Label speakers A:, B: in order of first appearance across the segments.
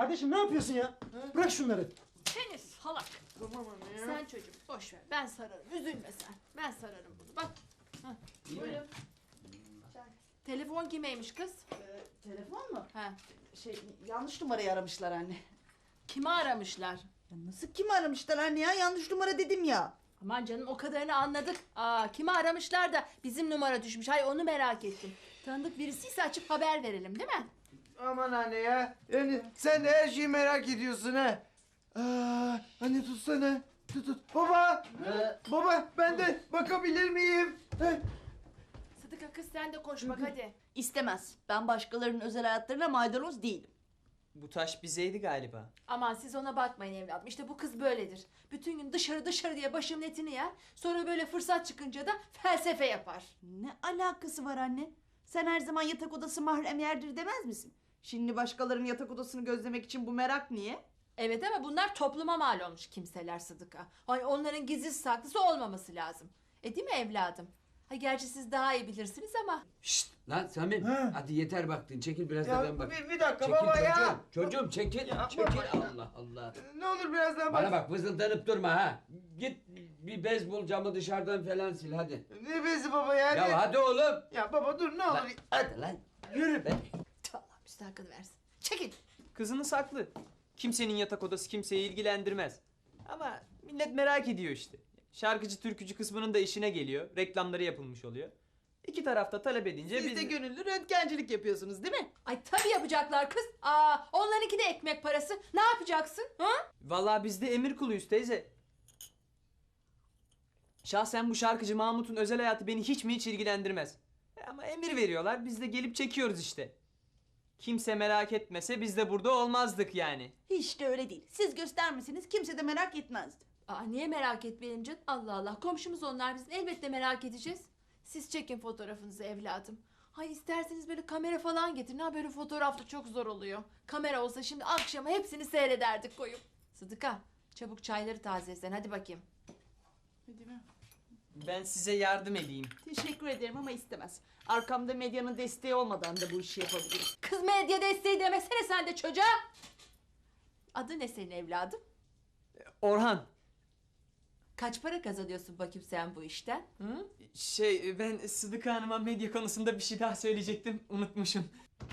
A: Kardeşim ne yapıyorsun ya? Bırak şunları.
B: Seni salak.
A: Tamam anne ya.
B: Sen çocuğum boş ver. Ben sararım. Üzülme sen. Ben sararım bunu. Bak. Hah, buyurun. Telefon kimeymiş kız?
C: Telefon mu?
B: Ha.
C: Yanlış numarayı aramışlar anne.
B: Kimi aramışlar?
C: Ya nasıl kimi aramışlar anne ya? Yanlış numara dedim ya.
B: Aman canım o kadarını anladık. Kimi aramışlar da bizim numara düşmüş. Hay onu merak ettim. Tanıdık birisiyse açıp haber verelim değil mi?
D: Aman anne ya. Yani sen de her şeyi merak ediyorsun ha. Anne tutsana. Tut. Baba. Baba ben de bakabilir miyim?
B: Sıdıka kız sen de koş bak hadi.
C: İstemez. Ben başkalarının özel hayatlarına maydanoz değilim.
E: Bu taş bizeydi galiba.
B: Aman siz ona bakmayın evladım. İşte bu kız böyledir. Bütün gün dışarı diye başımın etini yer. Sonra böyle fırsat çıkınca da felsefe yapar.
C: Ne alakası var anne? Sen her zaman yatak odası mahrem yerdir demez misin? Şimdi başkalarının yatak odasını gözlemek için bu merak niye?
B: Evet ama bunlar topluma mal olmuş kimseler Sıdıka. Hani onların gizlisi saklısı olmaması lazım. Değil mi evladım? Ha, gerçi siz daha iyi bilirsiniz ama.
F: Şşt lan Samim.
D: Ha.
F: Hadi yeter baktın. Çekil biraz da
D: Ya
F: ben bak.
D: bir dakika
F: Çekil
D: baba
F: çocuğum.
D: ya.
F: Çocuğum çekil.
D: Ya
F: çekil.
D: baba ya.
F: Allah Allah.
D: Ne olur biraz daha
F: Bana bak vızıldanıp durma ha. Git bir bez bul camı dışarıdan falan sil hadi.
D: Ne bezi baba ya?
F: Ya hadi oğlum.
D: Ya baba dur ne
F: Lan,
D: olur.
F: hadi lan. Yürü be.
B: Allah müstahakını versin. Çekil.
E: Kızını saklı. Kimsenin yatak odası kimseyi ilgilendirmez. Ama millet merak ediyor işte. Şarkıcı türkücü kısmının da işine geliyor. Reklamları yapılmış oluyor. İki tarafta talep edince
C: Siz
E: biz...
C: de gönüllü röntgencilik yapıyorsunuz değil mi?
B: Ay tabii yapacaklar kız. Onlarınki de ekmek parası. Ne yapacaksın? Ha?
E: Vallahi biz de emir kuluyuz teyze. Şahsen bu şarkıcı Mahmut'un özel hayatı beni hiç mi hiç ilgilendirmez. Ama emir veriyorlar biz de gelip çekiyoruz işte. Kimse merak etmese biz de burada olmazdık yani.
C: Hiç de öyle değil. Siz göstermeseniz kimse de merak etmezdi.
B: Niye merak etmeyelim canım? Allah Allah. Komşumuz onlar bizim. Elbette merak edeceğiz. Siz çekin fotoğrafınızı evladım. Hay isterseniz böyle kamera falan getirin. Ha böyle fotoğrafta çok zor oluyor. Kamera olsa şimdi akşama hepsini seyrederdik koyup. Sıdıka çabuk çayları tazelesen hadi bakayım.
C: Hadi be.
E: Ben size yardım edeyim.
C: Teşekkür ederim ama istemez. Arkamda medyanın desteği olmadan da bu işi yapabilirim.
B: Kız medya desteği demesene sen de çocuğa. Adı ne senin evladım?
E: Orhan.
B: Kaç para kazanıyorsun bakayım sen bu işten? Hı?
E: Ben Sıdıka Hanım'a medya konusunda bir şey daha söyleyecektim. Unutmuşum.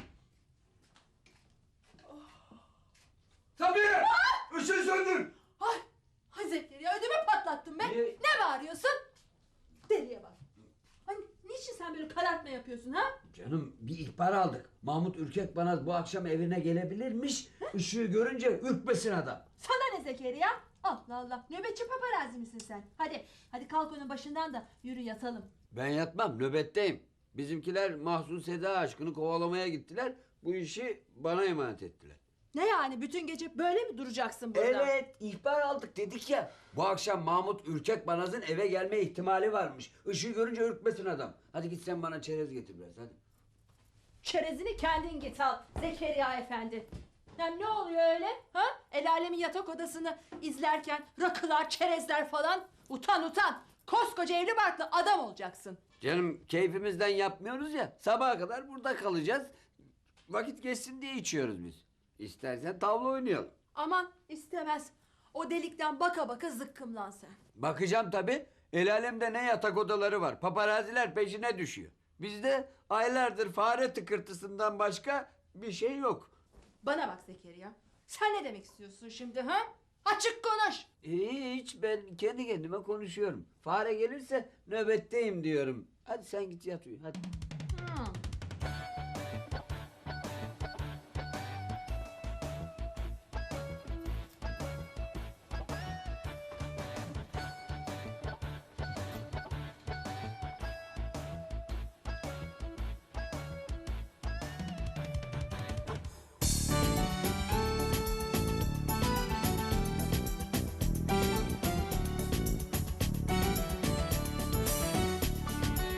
D: Tabii. Işığı söndür.
B: Ay Zekeriya ödümü patlattın be.
F: Niye?
B: Ne bağırıyorsun? Deliye bak. Hani niçin sen böyle karartma yapıyorsun ha?
F: Canım bir ihbar aldık. Mahmut Ürkekbanaz bu akşam evine gelebilirmiş. Işığı görünce ürkmesin adam.
B: Sana ne Zekeriya? Allah Allah. Nöbetçi paparazzi misin sen? Hadi kalk onun başından da yürü yatalım.
F: Ben yatmam nöbetteyim. Bizimkiler Mahsun Seda aşkını kovalamaya gittiler. Bu işi bana emanet ettiler.
B: Ne yani bütün gece böyle mi duracaksın burada?
F: Evet ihbar aldık dedik ya. Bu akşam Mahmut Ürkekbanaz'ın eve gelme ihtimali varmış. Işığı görünce ürkmesin adam. Hadi git sen bana çerez getir biraz hadi.
B: Çerezini kendin git al Zekeriya efendi. Ya ne oluyor öyle? Ha? El alemin yatak odasını izlerken rakılar, çerezler falan. Utan. Koskoca evli barklı adam olacaksın.
F: Canım keyfimizden yapmıyoruz ya. Sabaha kadar burada kalacağız. Vakit geçsin diye içiyoruz biz. İstersen tavla oynayalım.
B: Aman istemez. O delikten baka baka zıkkımlan sen.
F: Bakacağım tabii. El alemde ne yatak odaları var. Paparaziler peşine düşüyor. Bizde aylardır fare tıkırtısından başka bir şey yok.
B: Bana bak Zekeriya. Sen ne demek istiyorsun şimdi ha? Açık konuş.
F: Hiç ben kendi kendime konuşuyorum. Fare gelirse nöbetteyim diyorum. Hadi sen git yat uyu hadi.